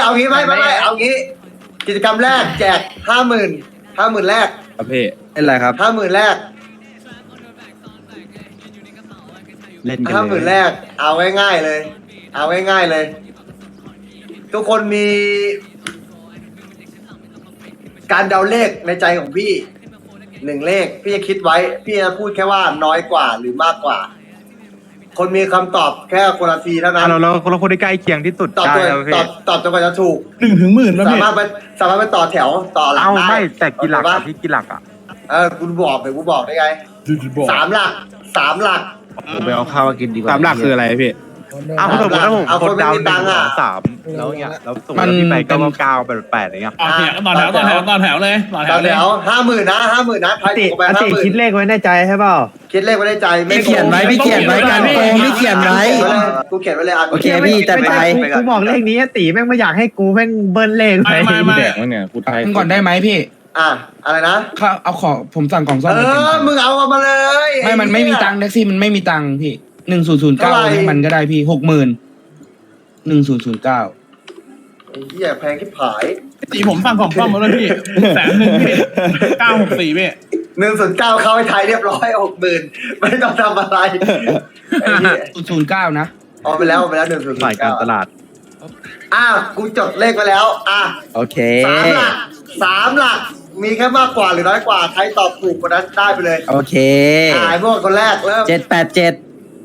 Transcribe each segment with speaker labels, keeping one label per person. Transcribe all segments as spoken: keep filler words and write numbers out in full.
Speaker 1: เอางี้ไม่ไม่ไม่เอางี้ กิจกรรมแรกแจกห้าหมื่นห้าหมื่นแรก
Speaker 2: ครับพี่เป็นไรครับ
Speaker 1: ห้าหมื่นแรก
Speaker 2: เล่นกัน
Speaker 1: ห้าหมื่น
Speaker 2: เลย
Speaker 1: แรก เอาง่ายๆเลย เอาง่ายๆเลย ทุกคนมี การเดาเลขในใจของพี่หนึ่งเลข พี่จะคิดไว้ พี่จะพูดแค่ว่าน้อยกว่าหรือมากกว่า คนมีคำตอบแค่คนละทีเท่านั้น
Speaker 3: เราเราเราคนที่ใกล้เคียงที่สุด
Speaker 1: ตอบ
Speaker 3: ได้
Speaker 1: ตัว
Speaker 3: แล้ว
Speaker 1: ต
Speaker 3: พี่
Speaker 1: อบตอบจนกว่าจะถูก
Speaker 4: หนึ่งถึงหมื่นแล้ว
Speaker 1: สา
Speaker 4: พี่
Speaker 1: มารถไปสามารถไปต่อแถวต่อหลัง
Speaker 3: เอ้า
Speaker 1: ได้
Speaker 3: ไม่แต่กี่หลัก
Speaker 1: เข้า
Speaker 3: อะ
Speaker 1: ใจปะ
Speaker 3: พี่กี่หลักอะ
Speaker 1: เออกูบอกเลยกูบอกได้ไง
Speaker 4: บอก
Speaker 1: สามหลักสามหลัก
Speaker 2: ผมไปเอาข้าวมากินดีกว่า
Speaker 5: สามหลักคืออะไรพี่
Speaker 3: เอ้าสมมติถ้าผม
Speaker 1: เอา
Speaker 3: ก
Speaker 1: ค
Speaker 3: ด
Speaker 1: นไม่
Speaker 3: ดาว
Speaker 1: มี
Speaker 3: ห
Speaker 1: ตั
Speaker 3: นึ่
Speaker 1: ง
Speaker 3: ง
Speaker 1: ค์
Speaker 3: ส
Speaker 1: อะ
Speaker 3: องสามแล้วเงี้ยแล้วสมมติว่าพี่ไปเก้าเก้าแปดแปดอย่างเงี้ย
Speaker 4: ต่อแถวต่อแถวต่อแถวต่อแถวเลยต่อแถ
Speaker 1: ต่อ
Speaker 4: วเล
Speaker 1: แถ
Speaker 4: ยว
Speaker 1: ห้าหมื่นนะห้าหมื่นนะทาย
Speaker 6: ติ
Speaker 1: ถูกไป
Speaker 6: อ
Speaker 1: ห้า
Speaker 6: ติ
Speaker 1: หมื่น
Speaker 6: คิดเลขไว้ในใจใช่เปล่า
Speaker 1: คิดเลขไว้ในใจไม่
Speaker 2: พี่เขียนไว้พี่เขียนไว้การโกงพี่เขียนไว้
Speaker 1: กูเขียนไว้เลยอ่ะ
Speaker 2: โอเคพี่จัดไป
Speaker 6: กูกูบอกเลขนี้ติแม่งไม่อยากให้กูแม่งเบิ้ลเลข
Speaker 4: ไม่ไม่ไม่
Speaker 5: แดกวะเนี่ยกูไทย
Speaker 7: ก่อนได้ไหมพี่
Speaker 1: อ่ะอะไรนะ
Speaker 7: เขาเอาของผมสั่งของซ่อม
Speaker 1: เอ
Speaker 7: ไปเต็ม
Speaker 1: อมึงเอามาเลย
Speaker 7: ไม่มันไม่มีตังค์แท็กซี่มันไม่มีตังค์พี่หนึ่งศูนย์ศูนย์เก้า
Speaker 1: เท่าไหร่
Speaker 7: ให้มันก็ได้พี่หกหมื่นหนึ่งศูนย์ศูนย์เก้า
Speaker 1: ไอ้เหี้ยแพงที่ผาย
Speaker 4: สีผมสั่งของซ่อมมาแล้วพี่แสนหนึ่งพี่เก้าหกสี่พี่
Speaker 1: หนึ่งส่วนเก้าเข้าให้ไทยเรียบร้อยหกหมื่นไม่ต้องทำอะไรไอ้เหี้ย
Speaker 7: ศูนย์ศูนย์เก้านะ
Speaker 1: เอาไปแล้วเอาไปแล้วหนึ่งส่วน
Speaker 3: ฝ่ายการตลาด
Speaker 1: อ่ะกูจดเลขไว้แล้วอ่ะ
Speaker 2: โอเค
Speaker 1: สามหลักสามหลัก มีแค่มากกว่าหรือน้อยกว่าใครตอบถูกคนนั้นได้ไปเลย
Speaker 2: โอเค
Speaker 1: อ่าไอ้พวกคนแรกเริ่ม
Speaker 2: เจ็ดแปดเจ็ด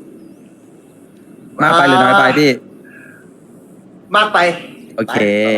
Speaker 2: มากไปหรือน้อยไปพี่
Speaker 1: มากไป
Speaker 2: โอเค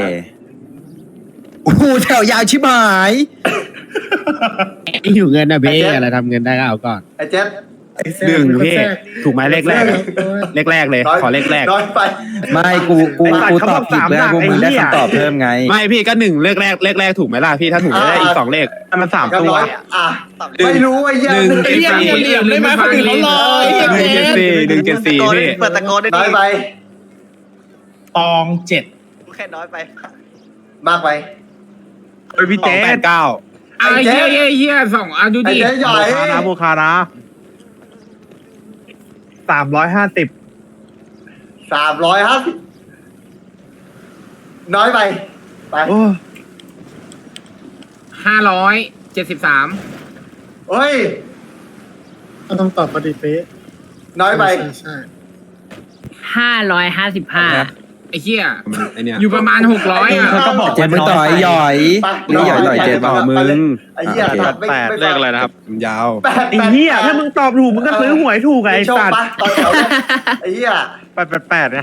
Speaker 2: โอ้โหแถวยาวชิบหาย
Speaker 5: ไม่อยู่เงินนะพี่อะไรทำเงินได้ก็เอาก่อน
Speaker 1: ไอ้เจ็ด
Speaker 5: หนึ่งพี่ถูกไหมเลขแรกอะเลขแรกเลย
Speaker 1: น้อย
Speaker 5: ขอเลขแรก
Speaker 1: น้อยไป
Speaker 2: ไม่กูกูกูตอบผิดแล้วกูมึงได้คำตอบเพิ่มไง
Speaker 5: ไม่พี่ก็หนึ่งเลขแรกเลขแรกถูกไหมล่ะพี่ถ้าถูกจะได้อีกสองเลข
Speaker 3: มันสาม
Speaker 1: ก็
Speaker 3: ตัว
Speaker 1: น้อยอ่ะไม่รู้ไอ้เหี้ย
Speaker 5: หนึ่ง
Speaker 4: ไอ้เหี้ยมีเหลี่ยมได้ไหมคนอื่นเขารอไอ้เหี้ย
Speaker 5: หนึ่งเจ็ดสี่หนึ่งเจ็ดสี่พี่
Speaker 2: เปิดตะโกนได้
Speaker 1: น้อยไป
Speaker 4: ตองเจ็ด
Speaker 2: แค่น้อยไป
Speaker 1: มากไป
Speaker 3: เฮ้ยพี่
Speaker 5: สอ
Speaker 3: เจ๊
Speaker 5: งแปดเก้า
Speaker 1: ไอ้เจ๊
Speaker 6: เฮียเฮียสองอ่ะดู
Speaker 1: ไอ้
Speaker 6: ดิ
Speaker 1: เจ๊ใหญ่
Speaker 3: โบคานะโบคานะ
Speaker 6: สามร้อยห้าสิบ
Speaker 1: สามร้อยห้าสิบน้อยไปไป
Speaker 3: โอ้
Speaker 6: ห้าร้อยเจ็ดสิบสาม
Speaker 1: เฮ้ย
Speaker 8: ต้องตอบปฏิเป๊ะ
Speaker 1: น้อยไป
Speaker 8: ใช่ใช่
Speaker 9: ห้าร้อยห้าสิบห้า
Speaker 6: ไอ้เฮีย
Speaker 5: ไอเนี่ย
Speaker 6: อยู่ประมาณหกร้อยอ่ะ
Speaker 3: เธอก็บอก
Speaker 2: เจ็ดมึงต่อยหย่อย
Speaker 1: ไป
Speaker 2: นี่หย่อยหน่อยเจ็ด
Speaker 5: ต่อมึง
Speaker 1: ไอ้เหี้ย
Speaker 2: โอเค
Speaker 1: ตัดไม่
Speaker 3: แปด
Speaker 1: ไม่
Speaker 5: เลขอะไรนะครับยาว
Speaker 1: แปด
Speaker 6: ไอ้เฮียถ้ามึงตอบถูกมึงก็ซื้อหวยถูกไงไอ้
Speaker 1: โชค
Speaker 6: สัตว์
Speaker 1: ปะต่อแถวเลยไอ้เหี้ย
Speaker 3: แปดแปดแปดเนี่ย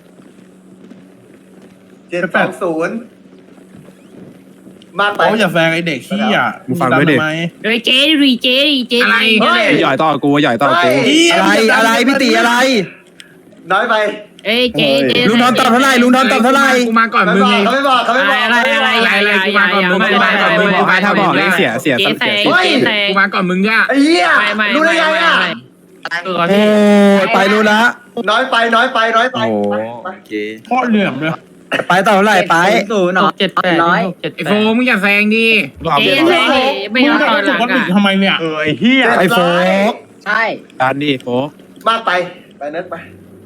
Speaker 1: เจ็ดสองศูนย์มากไป
Speaker 4: โอ้อย่าแซงไอ้เด็กขี้อ่ะ
Speaker 5: มึงฟังด้วยดิ
Speaker 4: ทำไม
Speaker 9: เฮ้ยเจ๊ดิเจ๊ดิเจ๊
Speaker 6: อะไร
Speaker 1: เฮ้ย
Speaker 5: หย่อยต่อกูหย่อยต่อกู
Speaker 2: อะไรอะไรพี่ตีอะไร
Speaker 1: น้อยไป
Speaker 9: เอ้ยเจ๊เจ๊
Speaker 2: ลุงทอนตอบเท่าไหร่ลุงทอนตอบเท่าไหร่
Speaker 6: กูมาก่อน
Speaker 1: ไม่
Speaker 6: มึง
Speaker 1: บอก
Speaker 6: ไง
Speaker 1: เขาไม่บอกเขาไม่บอก
Speaker 9: อะไรอะไรอะไร
Speaker 6: กูมาก่อนมึงกูมาก่อนมึง
Speaker 5: บอกให้ถ้าบอกเลขเสียเสีย
Speaker 9: เจ๊
Speaker 5: ต้อง
Speaker 9: แซ
Speaker 5: เสีย
Speaker 9: ง
Speaker 5: สิ
Speaker 9: เจ๊แซง
Speaker 6: กูมาก่อนมึงเนี่ย
Speaker 1: ไอ้เหี้ย
Speaker 9: ไม่ไม่
Speaker 1: รู้ได้ไงอ่ะ
Speaker 6: เออ
Speaker 2: โอ้ยไปรู้ละ
Speaker 1: น้อยไปน้อยไปน้อยไป
Speaker 2: โอ้
Speaker 1: ไปไป
Speaker 2: โอเค
Speaker 4: โคตรเหลี่ยมเลย
Speaker 2: ไปต่อเท่าไหร่ไป
Speaker 9: ศูนย์เจ็ดแปดร้อย
Speaker 6: ไอ้โฟมึงอย่าแซงดิ
Speaker 9: เจ๊แซงดิไม่
Speaker 4: มึง
Speaker 9: เอา
Speaker 4: จะ
Speaker 9: ต่อห
Speaker 4: มาจุ
Speaker 9: ลั
Speaker 4: ก
Speaker 9: ง
Speaker 4: คนอื่น
Speaker 9: อ่ะ
Speaker 4: ทำไมเนี่ย
Speaker 3: เออไอ้เหี้ย
Speaker 2: ไอโฟก
Speaker 9: ใช่
Speaker 5: การดีโฟ
Speaker 1: มากไปไปเนิร์ดไป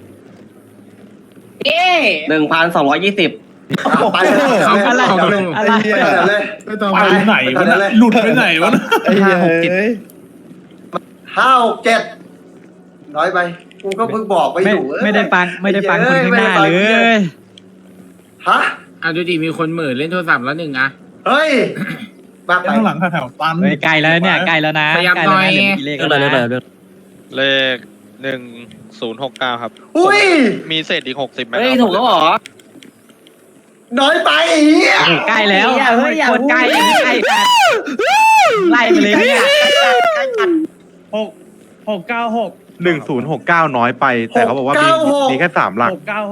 Speaker 9: เจ๊
Speaker 2: หนึ่งพันสองร้อยยี่สิบ
Speaker 1: ไปเลย
Speaker 6: เขาก็หลอก
Speaker 1: ไป
Speaker 6: ล
Speaker 1: เลย
Speaker 6: ง
Speaker 1: ไปเลย
Speaker 8: ไม่ต้อง
Speaker 4: ไป
Speaker 8: ไป
Speaker 4: ไหนวะเนี่ยหลุดไปไหนวะเนี่ย
Speaker 3: ห้าหกเจ็ด
Speaker 1: ห้าหกเจ็ดน้อยไปกูก็เพิ่งบอกไปอยู่
Speaker 9: ไม่ได้ฟังไม่ได้ฟังคนข้างหน้าเลย
Speaker 1: ฮะ
Speaker 6: อ่ะดูดิมีคนเหม่อเล่นโทรศัพท์แล้วหนึ่งอ่ะ
Speaker 1: เฮ้ยมากไป
Speaker 4: ข้างหลังแถวๆตัน
Speaker 9: ใกล้แล้วเนี่ยใกล้แล้วนะ
Speaker 6: พยายามหน่อย
Speaker 9: เลขอะไรเลขอะไร
Speaker 10: เลขหนึ่งศูนย์หกเก้าครับ
Speaker 1: อุ้ย
Speaker 10: มีเศษอีกหกสิบไหม
Speaker 9: เฮ้ยถูกแล้วเหรอ
Speaker 1: น้อยไปไอ้เหี้ย
Speaker 9: ใกล้แล้วโคตรใกล้ใกล้จัดไล่ไปเลยเนี่ย
Speaker 3: หกหกเก้าหกหนึ่งศูนย์หกเก้าน้อยไป แต่เขาบอกว่ามีมีแค่สามหลัก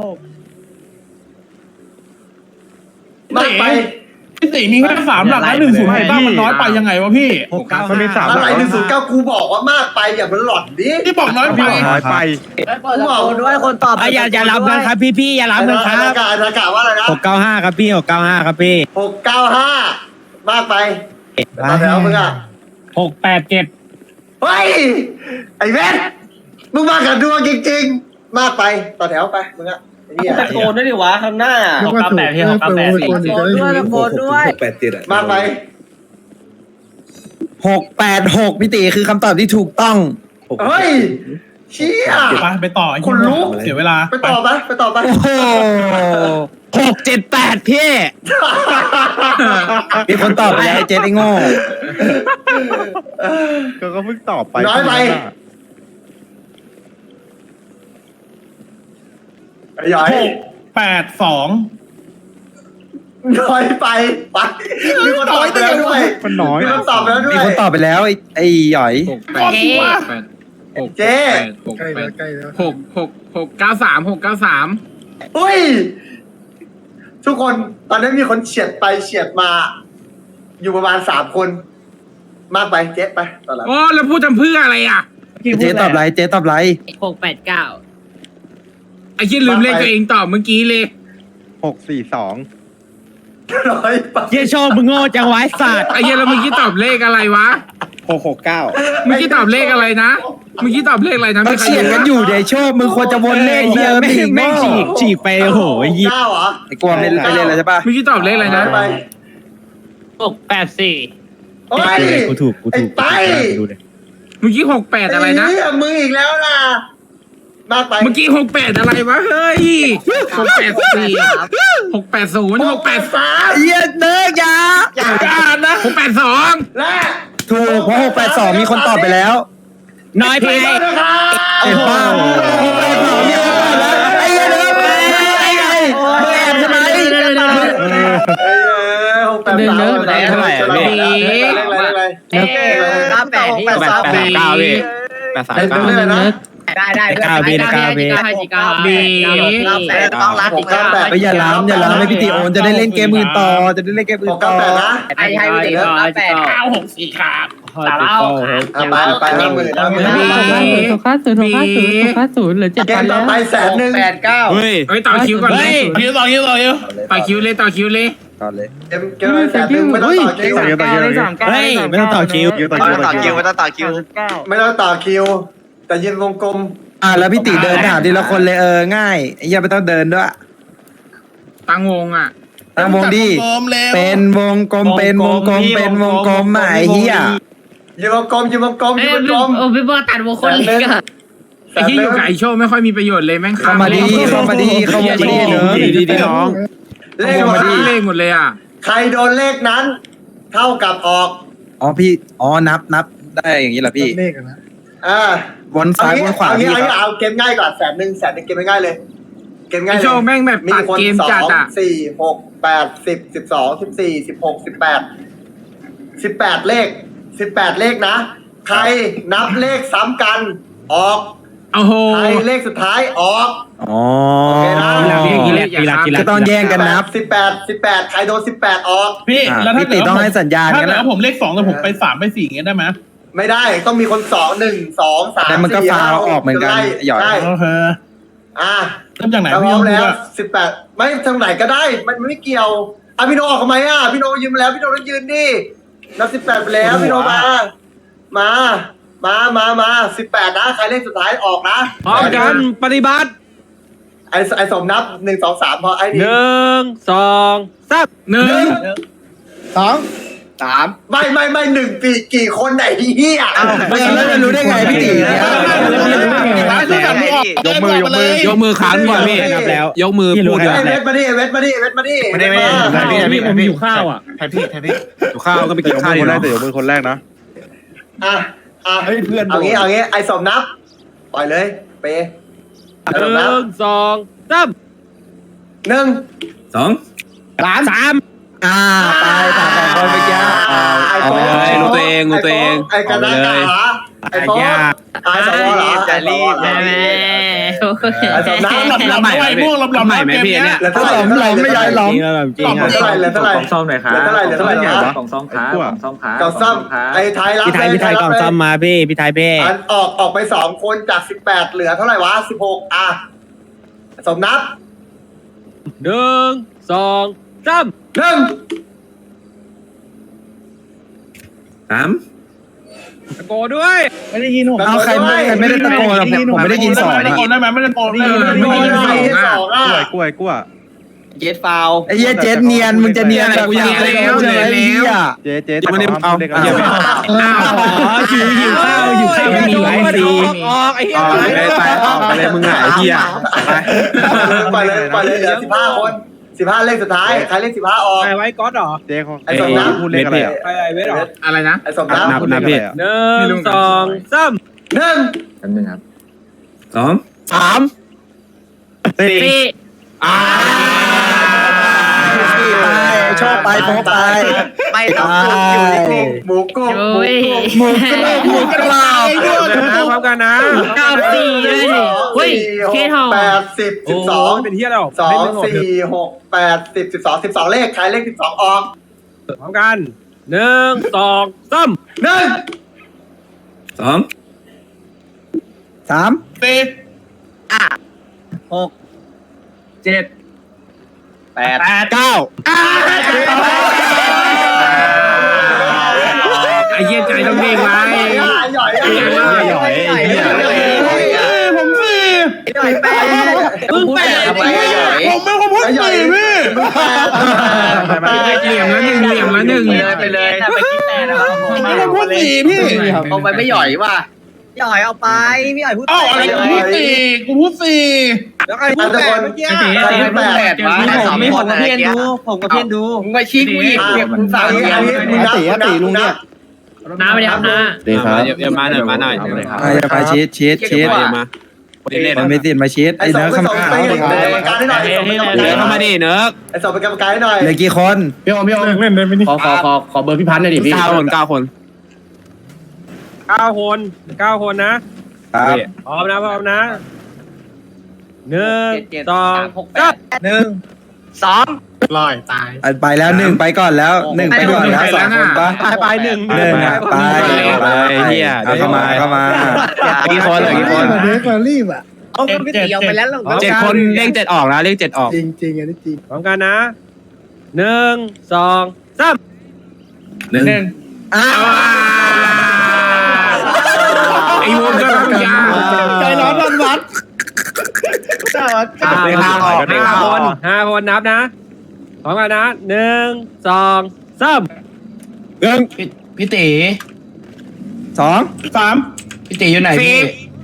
Speaker 1: มากไป
Speaker 4: พี่ติมีแค่สามหลักแล้วหนึ่งศูนย์หกเก้ามันน้อยไปยังไงวะพี่
Speaker 3: มันมีสามห
Speaker 1: อะ
Speaker 3: ลัก
Speaker 1: ไรหนึ่งศูนย์เก้ากูบอกว่ามากไปอย่ามันหลอดดิ
Speaker 4: ที่บอกน้อยไป
Speaker 3: น้อยไป
Speaker 1: กูบอก
Speaker 9: ด้วยคนตอบอย่าอย่ารับกันครับพี่พี่อย่ารับกันค
Speaker 1: อา
Speaker 9: รับ
Speaker 1: กาศอากาศว่าอะไรนะ
Speaker 5: หกเก้าห้าครับพี่หกเก้าห้าครับพี่
Speaker 1: หกเก้าห้ามากไปตอนแล้วมึงอ่ะ
Speaker 6: หกแปดเจ็ด
Speaker 1: เฮ้ยไอ้เวทมึงมากับดวงจริงๆมากไปต่อแถวไปมึงอ่ะเหี้ย
Speaker 9: ตะโกนด้วยดิวะข้างหน้า
Speaker 8: นึกว่าถูกเออเปิดวงกลมอีกจะได้ถูก
Speaker 2: หกแปดเจ็ดอะ
Speaker 1: มากไหม
Speaker 2: หกแปดหกพี่ตีคือคำตอบที่ถูกต้อง
Speaker 1: เฮ้ยเชี่ย
Speaker 4: ไปไปต่อไอ้
Speaker 1: คนลุก
Speaker 4: เสียเวลา
Speaker 1: ไปต่อไปไปต่อไป
Speaker 2: โอ้โห
Speaker 5: หกเจ็ดแปดพี่
Speaker 2: มีคนตอบไปแล้วไอ้เจ๊ไอ้โง่
Speaker 3: ก็ก็เพิ่งตอบไป
Speaker 1: น้อยไปไอ้หยอย
Speaker 4: หกแปดสอง
Speaker 1: น้อยไปไปมีคนตอบไปแล้วด้วย
Speaker 3: มันน้อย
Speaker 1: มีคนตอบไปแล้วด้ว
Speaker 2: มี
Speaker 1: ย
Speaker 2: คนตอบไปแล้วไอ้ไอ้หยอย
Speaker 4: ก็สิว่า
Speaker 1: เจ๊
Speaker 8: ใกล้แล้วใกล้แล้ว
Speaker 5: หกหกหกเก้าสามหกเก้าสาม
Speaker 1: อุ้ยทุกคนตอนนี้มีคนเฉียดไปเฉียดมา อยู่ประมาณสามคน มากไปเจ๊ไปต่อแล้ว
Speaker 5: โอ้แล้วพูดทำเพื่ออะไรอ่ะ
Speaker 2: เจ๊ตอบไรเจ๊ตอบไร
Speaker 9: หกแปดเก้า
Speaker 5: ไอ้ที่ลืมเลขตัวเองตอบเมื่อกี้เลย
Speaker 3: หกสี่สอง
Speaker 1: น้อยไป
Speaker 5: เยี่ยโชว์มึงโง่จังไว้สัตว์ไอ้เยี่ยแล้วเมื่อกี้ตอบเลขอะไรวะ
Speaker 2: หกหกเก้า
Speaker 5: เมื่อกี้ตอบเลขอะไรนะเมื่อกี้ตอบเลขอะไรนะ
Speaker 2: มันเฉียดกันอยู่เดี๋ยวโชคมึงควรจะวนเลขเดิมดิโง่
Speaker 5: ฉีกไปโอ้โห
Speaker 1: เก้าเหรอ
Speaker 2: ไอ้กวางเล่นไปเล่นแล้วใช่ปะ
Speaker 5: เมื่อกี้ตอบเลขอะไร
Speaker 1: น้
Speaker 5: นะ
Speaker 1: อยไป
Speaker 9: หกแปดสี่
Speaker 1: โอ้ย
Speaker 5: กูถูกกูถูก
Speaker 1: ไอ้ไป
Speaker 5: ดูเลยเมื่อกี้หกแปดอะไรนะ
Speaker 1: เหี้ยมึงอีกแล้วนะมากไป
Speaker 5: เมื่อกี้หกแปดอะไรวะเฮ้ยหกแปดสี่หกแปดศูนย์หกแปด
Speaker 1: สาม
Speaker 2: เหี้ยเนิร์กยา
Speaker 1: อย่าการนะ
Speaker 5: หกแปดสอง
Speaker 1: และ
Speaker 2: ถูกเพราะหกแปดสองมีคนตอบไปแล้ว
Speaker 5: น้อยไป
Speaker 1: ผิดนะครับ
Speaker 2: เห็นป่ะหกแปดสองมีคนตอบแล้วไอ้เหี้ยเนิร์กไอ้ไงมึงแอบใช่ไหม
Speaker 1: เออหกแปดสาม
Speaker 5: เท่าไหร่อะพี่
Speaker 1: เลขอะไรเลขอะไร
Speaker 9: เอ๊ะเก้าแปดที่
Speaker 1: แปดสาม
Speaker 5: แปดเก้าพี่แปดสาม
Speaker 1: เลข
Speaker 5: เก้า
Speaker 1: อะไรนะ
Speaker 9: ได้ได้
Speaker 5: เก้าเบเก้าเบ
Speaker 9: เก้าเก้า
Speaker 5: บี
Speaker 9: เก้าแปดต้องรัก
Speaker 1: หกเก้าแปด
Speaker 2: ไปอย่าล้ำอย่าล้ำให้พี่ตีโอนจะได้เล่นเกมอื่นต่อจะได้เล่นเกมอื่
Speaker 1: ห
Speaker 2: น
Speaker 1: ก
Speaker 2: ต่
Speaker 1: เก้า
Speaker 2: อ
Speaker 1: แปดนะ
Speaker 9: ไอ้ให้ไปเก้าแปด
Speaker 4: เก้าหกสี่ครับ
Speaker 9: สาวเล่า
Speaker 1: อ่ะไปไปห้าหมื่นห้าหมื่นห้าหมื่น
Speaker 5: หกห้าศูนย์หกห้าศูนย์หกห้าศูนย์เหลือเจ็ด
Speaker 1: เกมต่อไปแสนหนึ่ง
Speaker 9: แปดเก้า
Speaker 5: เฮ้ยเฮ้ยต่อคิวก่อนเลย
Speaker 4: คิวต่อคิวต่อคิว
Speaker 5: ต่อคิวเลยต่อคิวเลย
Speaker 2: ก่อนเลย
Speaker 1: เกมเกมแสนหนึ่งไม่ต้องต่อคิว
Speaker 3: ต่อคิวต่อคิวต่อคิว
Speaker 5: เฮ้ยไม่ต้องต่อคิว
Speaker 3: คิวต่อคิวต่อคิว
Speaker 10: ไม่ต้องต่อคิว
Speaker 1: ไม่ต้องต่อคิว แต่ยืนวงกลม
Speaker 2: อ่ะแล้วพี่ตีเดินถามทีละคนเลยเออง่ายไอ้เหี้ยไม่ต้องเดินด้วย
Speaker 5: ตั้งวงอ่ะ
Speaker 2: ตั้งวงดิเป็นวงกลมเป็นวงกลมเป็นวงกลมอ่ะไอ้เหี้ย
Speaker 1: ยืนวงกลมยืนวงกลมยืนวงกลม
Speaker 9: โอ้พี่บอตัดวงคนเล็กอะ
Speaker 5: ไอ้ที่อยู่กับไอโชว์ไม่ค่อยมีประโยชน์เลยแม่ง
Speaker 2: เข้ามาดีเข้ามาดีเข้ามาดีเนอะ
Speaker 5: ดีดีน้อง
Speaker 1: เลข
Speaker 5: เข้า
Speaker 1: มา
Speaker 5: มาดี
Speaker 1: ดี
Speaker 5: เลขหมดเลยอ่ะ
Speaker 1: ใครโดนเลขนั้น เท่ากับออก
Speaker 2: อ๋อพี่อ๋อนับนับได้อย่างนี้เหรอพี่
Speaker 8: เลขอะนะ
Speaker 1: อ่า
Speaker 2: วนซ้ายวนขวา
Speaker 1: เอางี้
Speaker 2: พี่
Speaker 1: เอา
Speaker 2: ค
Speaker 1: งี้
Speaker 2: รับ
Speaker 1: เอาเกมง่ายก่อนแสนหนึ่งแสนหนึ่งเกมง่ายเลย เกม
Speaker 5: ไอ
Speaker 1: ง่ายเลย
Speaker 5: โชว์แม่งแบบ
Speaker 1: มี
Speaker 5: ตัด
Speaker 1: คน
Speaker 5: เกม
Speaker 1: สอ
Speaker 5: จัด
Speaker 1: ง
Speaker 5: อ่ะ
Speaker 1: สี่หกแปดสิบสิบสองสิบสี่สิบหกสิบแปดสิบแปดเลขสิบแปดเลขนะ ใครนับเลขซ้ำกัน ออก
Speaker 5: โอ้โห
Speaker 1: ใครเลขสุดท้ายออก
Speaker 2: อ๋อ
Speaker 1: โอเคนะ
Speaker 5: กีฬากีฬากีฬา
Speaker 2: ก็ต้องแย่งกันนับ
Speaker 1: สิบแปดสิบแปดใครโดนสิบแปดออก
Speaker 4: พี่
Speaker 2: อ่ะ
Speaker 4: แล้วถ้า
Speaker 2: พี่ตี
Speaker 4: เกิด
Speaker 2: ต้องให้สัญญาณ
Speaker 4: ถ้า
Speaker 2: กัน
Speaker 4: เกิด
Speaker 2: นะ
Speaker 4: ว่าผมเลขสองแต่ผมไปสามไปสี่อย่างเงี้ยได้ไหม
Speaker 1: ไม่ได้ต้องมีคนสองหนึ่งสองสาม
Speaker 2: แต่มันก็
Speaker 1: สี่
Speaker 2: ฟาว
Speaker 1: ห้
Speaker 2: ออกเหมือนกัน
Speaker 1: ไล่
Speaker 2: หยอด
Speaker 1: ได้
Speaker 4: โอเค
Speaker 1: อ่ะ
Speaker 4: เริ่มจากไหน
Speaker 1: ถ้าพ
Speaker 4: พี่
Speaker 1: ร้อม
Speaker 4: พูด
Speaker 1: แล้ว
Speaker 4: ว่า
Speaker 1: สิบแปดไม่ทางไหนก็ได้ มันไม่เกี่ยวอ่ะพี่โนออกทำไมอ่ะพี่โนยืนมาแล้วพี่โนต้องยืนดินับสิบแปดไปแล้วพี่โนมา มา มามามาสิบแปดนะใครเลขสุดท้ายออกนะ
Speaker 5: พร้อมกันปฏิบัติ
Speaker 1: ไอ้ไอ้สมนับหนึ่งสองสามพอไอ้
Speaker 5: ห
Speaker 1: นี่
Speaker 5: นึ่งสองสามหนึ่ง
Speaker 2: สอง
Speaker 1: สามไม่ไม่ไม่หนึ่งปีกี่คนไหนเฮีย
Speaker 2: ไม่งั้นแล้วจะรู้ได้ไงพี่ตีเนี่ย
Speaker 3: ยกมือยกมือย
Speaker 5: กมือค้างก่อนพี่นับแล้ว ยกมือพูด
Speaker 1: ไอ้เวทมาดิเวทมาดิเวทมาดิ
Speaker 2: ไม่ได้ไม่ได้พี่พี่ผมอยู่ข้าวอ่ะ
Speaker 5: อยู่ข้าวก็ไป
Speaker 3: แต่
Speaker 5: กิน
Speaker 3: ยก
Speaker 5: ข้าว
Speaker 3: มือ
Speaker 5: ดี
Speaker 3: คนแรก
Speaker 5: เนาะ
Speaker 3: แต่ยกมือคนแรกนะ
Speaker 1: อ่ะอ่ะ
Speaker 2: เฮ้ยเพื่อน
Speaker 1: เอางี้เอางี้ไอ้สมนับปล่อยเลยเปย์ไอ้
Speaker 5: ห
Speaker 1: สมนับ
Speaker 5: นึ่งสองสาม
Speaker 1: หนึ่ง
Speaker 5: สองสามสาม
Speaker 2: อ่าตายตายสองคนเมื่อกี้
Speaker 1: ไอ้
Speaker 2: เอา
Speaker 1: โฟ
Speaker 2: เลย
Speaker 5: รู้ตัวเองรู้ตัวเอง
Speaker 1: ไอ้กระดาษกาไอ้โฟนไอ้สวเหรอ
Speaker 10: จะรีบจะรีบ
Speaker 1: ไอ้สมนับ
Speaker 4: หลับหลับด้วยม่วงหลับหลับ
Speaker 5: ใหม่ไหมพี่เนี่ย
Speaker 1: เหลือ
Speaker 2: ถ้า
Speaker 1: เท่าไห
Speaker 2: ห
Speaker 1: ร่
Speaker 2: ลอมหลอมไม่ย้ายหลอม
Speaker 1: หลอมเท่าไหร่เหลือเท่าไหร่
Speaker 11: กล่องซ่อมหน่อยครับ
Speaker 1: เหลือเท่าไหร่เหลือเท่าไหร่
Speaker 3: ใหญ่
Speaker 1: นะ
Speaker 3: ปะ
Speaker 11: กล่องซ่อมครับ
Speaker 3: กลัว
Speaker 11: กล่องซ่อมครับ
Speaker 1: กล่องซ่อมไอ้ไทยรับ
Speaker 5: พี่ไทยพี่ไทยกล่องซ่อมมาพี่พี่ไทยเพ่
Speaker 1: อันออกออกไปสองคนจากสิบแปดเหลือเท่าไหร่วะสิบหกอ่ะสมนับ
Speaker 5: หนึ่งสองสาม
Speaker 1: หนึ่ง
Speaker 11: สาม
Speaker 5: ตะโกนด้วย
Speaker 6: ไม่ได้ยินผม
Speaker 7: เอาใครไม่ใครไม่ได้ตะโกนผมผมไม่ได้ยินสอง
Speaker 4: ตะโกนได้ไหมไม่ได้ตะโกน
Speaker 5: เออ
Speaker 1: ไม่
Speaker 5: ไม่
Speaker 1: ได้
Speaker 5: ได้
Speaker 1: ยิ
Speaker 5: ยิ
Speaker 1: น
Speaker 5: น
Speaker 1: ส
Speaker 5: ส
Speaker 1: อ
Speaker 5: อง ง
Speaker 1: อ่ะ
Speaker 5: อ่ะ
Speaker 3: กล้วยกล้วยกล้วย
Speaker 8: เจ็ดฟาว
Speaker 7: ไอ้เหี้ยเจ็ดเนียนมึงจะเนียนแบบอย่างไรใช่ไหมไอ้เหี้ย
Speaker 3: เจ๊เจ๊ไม่ได้เอาเด็ก
Speaker 7: อ้าวหิวหิวข้าวหิวข้าวมีหลายสี
Speaker 5: ออกไอ้เหี้ย
Speaker 3: ไปไปออกไปเลยมึงไงไอ้เหี้ย
Speaker 1: ไปเลยไปเลยเหลือสิบห้าคนสิบห้าเลขสุดท้ายใครเลขสิบห้าออก
Speaker 5: ไอ้ไว้ก๊อตเหรอ
Speaker 3: เจ๊เขา
Speaker 1: ไอ้สองน้ำ
Speaker 3: พูดเลขอะไรอ่ะ
Speaker 5: ไอ้ไอ้เวทเหรอ
Speaker 7: อะไรนะ
Speaker 1: ไอ้สองน้ำ
Speaker 3: นับนับพี่
Speaker 5: หนึ่งสองสาม
Speaker 1: หนึ่ง
Speaker 7: สองสาม
Speaker 3: สี่
Speaker 7: อ่าไปชอบไปโป๊ไป
Speaker 8: ไปต้องจุดอยู่ในกลุ่ม
Speaker 1: หมูกุ้งหมูกุ้ง
Speaker 7: หมูกระโดดหมูกระโดด
Speaker 5: เดี๋ยวนะพร้อมกันนะ
Speaker 9: เก้าสี่เลยเฮ้ยเคทอง
Speaker 1: แปดสิบสิบสอง
Speaker 5: เป็นเฮียแล้ว
Speaker 1: สองสี่หกแปดสิบสิบสองสิบสองเลขใครเลขสิบสองออก
Speaker 5: พร้อมกันหนึ่งสองสาม
Speaker 1: หนึ่ง
Speaker 7: สองสาม
Speaker 4: สี่
Speaker 5: เจ็ด
Speaker 8: แปด
Speaker 7: เก้า
Speaker 5: ไอ้เหี้ยใจต้องเด้งไว้
Speaker 1: หย่อย
Speaker 3: หย่อยไอ้เหี้ย
Speaker 4: ผมสี่
Speaker 1: หย่อยแปด
Speaker 8: มึงแปดทำไมอะหย่อย
Speaker 4: ผมเป็นคนพูดสี่พี่
Speaker 5: เหลี่ยมแล้วหนึ่งเหลี่ยมแล้วหนึ่ง
Speaker 8: ไปเลยไปเลยถ้าไปคิดแต่นะครับ
Speaker 4: ผมเป็นคนพูดสี่พี่
Speaker 8: เอาไปไม่หย่อยว่ะหย่อยเอาไปพี่หย่อยพูด
Speaker 4: เอ้าอะไรกูพูดสี่กูพูดสี่
Speaker 5: แล้วใครพูดแปดเมื่อกี้
Speaker 8: ใครพูดแปดวะ
Speaker 9: ผมไม่ผมกับเพี้ยนดูผมกับเพี้ยนดู
Speaker 8: มึงไปชี้กูอีกเก็บมึงสาม
Speaker 1: อันนี้
Speaker 8: เดีย
Speaker 1: อั
Speaker 8: วน
Speaker 1: นี้มึงนับมึงนับลุงนับ
Speaker 9: น้าไปเลยครับน้า
Speaker 7: ดีครับ
Speaker 10: เดี๋ยวมาหน่อยมาหน่อย
Speaker 7: ไปไปชีสชีสชีสมามันไม่ติดมาชีส
Speaker 1: ไอ้
Speaker 7: ไอ้
Speaker 1: สอง
Speaker 7: เนื้อ
Speaker 1: ไอ้สอง
Speaker 7: คำ
Speaker 1: ไป
Speaker 7: ขาว
Speaker 1: เป็นกรรมการให้หน่อยไอ้สองเป็นกรรมการ
Speaker 10: เข้ามาดิเนิร์ก
Speaker 1: ไอ้สองเป็นกรรมการให้หน่อย
Speaker 7: เหลือกี่คน
Speaker 6: พี่โอมพี่โอมเล่นได้ไหมนี่
Speaker 8: ขอขอขอขอเบอร์พี่พันธ์หน่อยดิพี่
Speaker 10: เก้าคนเก้าคน
Speaker 5: เก้าคนเก้าคนนะครับ พร้อมนะพร้อมนะหนึ่งสอง
Speaker 8: หกแปด
Speaker 7: หนึ่ง
Speaker 8: สอง
Speaker 6: ลอยตาย
Speaker 7: ไปแล้วหนึ่งไปก่อนแล้วหนึ่งไปก่อนแล้วสองคนปะ
Speaker 5: ไปไปหนึ่ง
Speaker 7: หนึ่งอ่ะไปไปเข้ามาเข้ามา
Speaker 10: กี่คนเหลือกี่คน
Speaker 6: เด็กมารีบอ่ะ
Speaker 8: เอาพี่ตีเอาไปแล้ว
Speaker 10: เจ็ดคนเลขเจ็ดออกนะเลขเจ็ดออก
Speaker 6: จริงจริงอันนี้จริง
Speaker 5: พร้อมกันนะหนึ่งสองสาม
Speaker 7: หนึ่งอ้าว
Speaker 5: ไอ้วงก็ต้องยาว
Speaker 6: ใจร้อนวันวัด
Speaker 5: ห้าคนห้าคนห้าคนนับนะพร้อมกันนะหนึ่งสองสาม
Speaker 7: หนึ่ง
Speaker 8: พี่ตี
Speaker 7: สอง
Speaker 4: สาม
Speaker 8: พี่ตีอยู่ไหนพี่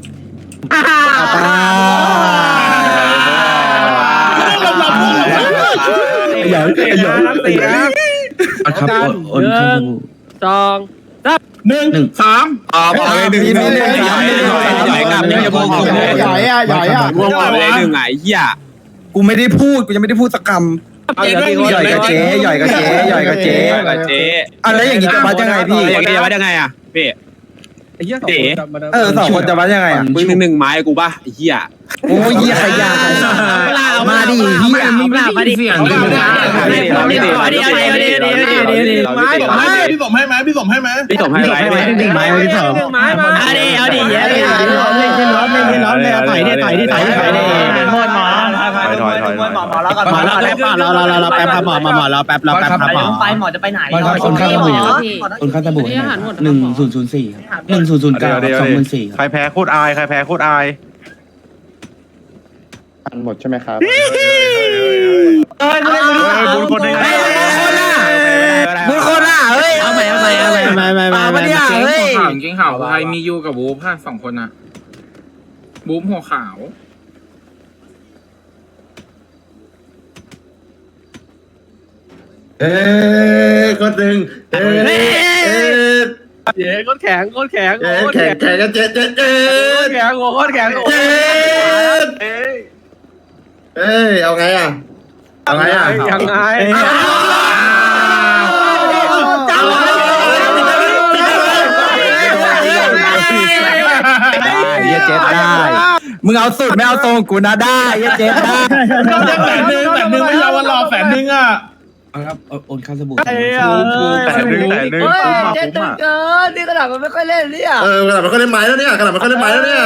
Speaker 7: ใหญ่ใหญ่
Speaker 5: นับสี่นะ
Speaker 7: ครับโอนครับ
Speaker 5: สองสาม
Speaker 4: หนึ่งสาม
Speaker 10: ออกออกเลยหนึ่งหนึ่งหนึ่งหย่อยหย่อยกับนี่จะพวกออกเลย
Speaker 6: ใหญ่อะใหญ่อะ
Speaker 10: พวกออกเลยหนึ่งไงเหี้ย
Speaker 7: กูไม่ได้พูดกูยังไม่ได้พูดสักคำ
Speaker 5: เอาเหลือสี่คน
Speaker 7: ใหญ่กับเจ๊ใหญ่กับเจ๊ใหญ่กับเจ๊
Speaker 10: กับเจ๊
Speaker 7: อะไรอย่างงี้จะวัดยังไงพี่
Speaker 10: เจ๊จะวัดยังไงอ่ะพี่
Speaker 5: ไอ้เหี้ยสองคนจับมาได้
Speaker 7: เออสองคนจะวัดยังไงอ่ะ
Speaker 10: มึงหนึ่งหนึ่งไม้กูป่ะไอ้เหี้ย
Speaker 7: โอ้ยเหี้ยขยะมาดิเหี้ย
Speaker 9: มีเปล่ามาดิเสียงดิมาดิมาดิมาดิมาดิมาดิมาดิ
Speaker 4: ไม้ผมให้พี่สมให้ไหมพี่สมให้ไหม
Speaker 10: พี่สมให้ไหม
Speaker 5: หนึ่งไม้ที่สองไม้มา
Speaker 9: เอาดิเอาดิเยอะดิ
Speaker 6: เล่นขึ้นรถเล่นขึ้นรถเลยต่อยดิต่อยดิต่อยดิต่อยดิ
Speaker 9: หมดหมอ
Speaker 3: ถอยถอยถอยถอย
Speaker 8: หมอแล้วกัน
Speaker 6: หมอเราแป๊บเราเราเราเราแป๊บครับหมอหมอเราแป๊บเราแป๊บครับหมอ
Speaker 9: ไปหมอจะไปไหน
Speaker 7: คนข้างสบู่คนข้างสบู่หนึ่งศูนย์ศูนย์สี่หนึ่งศูนย์ศูนย์เก้า
Speaker 3: เดี๋ยว
Speaker 7: สองหมื่นสี่
Speaker 3: ใครแพ้โคตรอายใครแพ้โคตรอาย
Speaker 6: หมดใช่ไหมครับ
Speaker 3: บุญคนได้ไง
Speaker 7: บุญคนอ่ะเฮ้ย
Speaker 9: เอาใหม่เอาใหม่เอาใหม่
Speaker 6: ไม่ไม่ไม่
Speaker 7: มาปะเนี่ยเฮ้ย
Speaker 5: จริงข่าวใครมียูกับบู๊ค่ะสองคนนะบู๊หัวขาว
Speaker 6: เอ้คนหนึ่งเอ้
Speaker 5: เย้ก้นแข็งก้นแข็ง
Speaker 6: แข่งแข่งกันเจ๊เจ๊เจ๊
Speaker 5: ก้นแข็งก้นแข็ง
Speaker 6: เจ๊เอ้ยเอาไงอ่ะเอาไงอ่ะ
Speaker 5: ยังไง
Speaker 7: เหี้ยเจ็ดได้มึงเอาสุดไม่เอาตรงกูนะได้เหี้ยเจ็ดได้
Speaker 4: ก็จะแสนหนึ่งแสนหนึ่งไม่ยอมวันรอแสนหนึ่งอ่ะ
Speaker 7: ครับโอนข้าวสบู่
Speaker 3: แต่หนึ่งแต่หนึ่งคุ้มอ่ะคุ้มอ่ะ
Speaker 8: เกินนี่กระดาษมันไม่ค่อยเล่นเนี่ย
Speaker 6: เออกระดาษมันก็ได้ไม้แล้วเนี่ยกระดาษมันก็ได้ไม้แล้วเนี่ย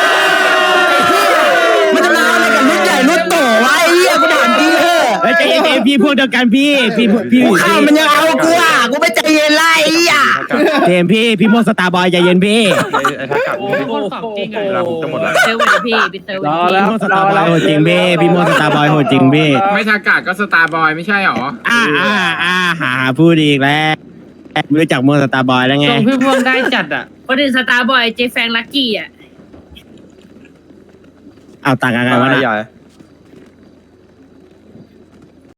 Speaker 7: มันจะมาอะไรกับรุ่นใหญ่รุ่นโตวะไอ้เหี้ยกูถามจริงเหรอ
Speaker 6: เฮ้ยเจ๊เจ๊
Speaker 2: พี่พวกเดียวกันพี่พี่พี่กูข้ามันยังเอากูอ่ะกูไม่ใจเย็นไรอ่ะเจมพี่พี่โมสตาร์บอยใจเย็นพี่
Speaker 3: ไอ้ทักกับนี่
Speaker 9: คนของจริง
Speaker 3: เวลาผมจะหมดแล้ว
Speaker 9: เซลล์พี่พี่เซลล์
Speaker 2: พี่โมสตาร์บอยโหดจริงพี่พี่โมสตาร์บอยโหดจริงพี่
Speaker 4: ไม่ทากาก็สตาร์บอยไม่ใช่หรอ
Speaker 2: อ่าอ่าอ่าหาพูดอีกแล้วไม่รู้จักโมสตาร์บอยแล้วไง
Speaker 9: ส่งพี่พวงได้จัดอ่ะคนอื่นสตาร์บอยเจแฟงลักกี้อ่ะ
Speaker 2: เอาต่างกันไงวะ
Speaker 5: ให
Speaker 2: น่ะ
Speaker 5: ญ่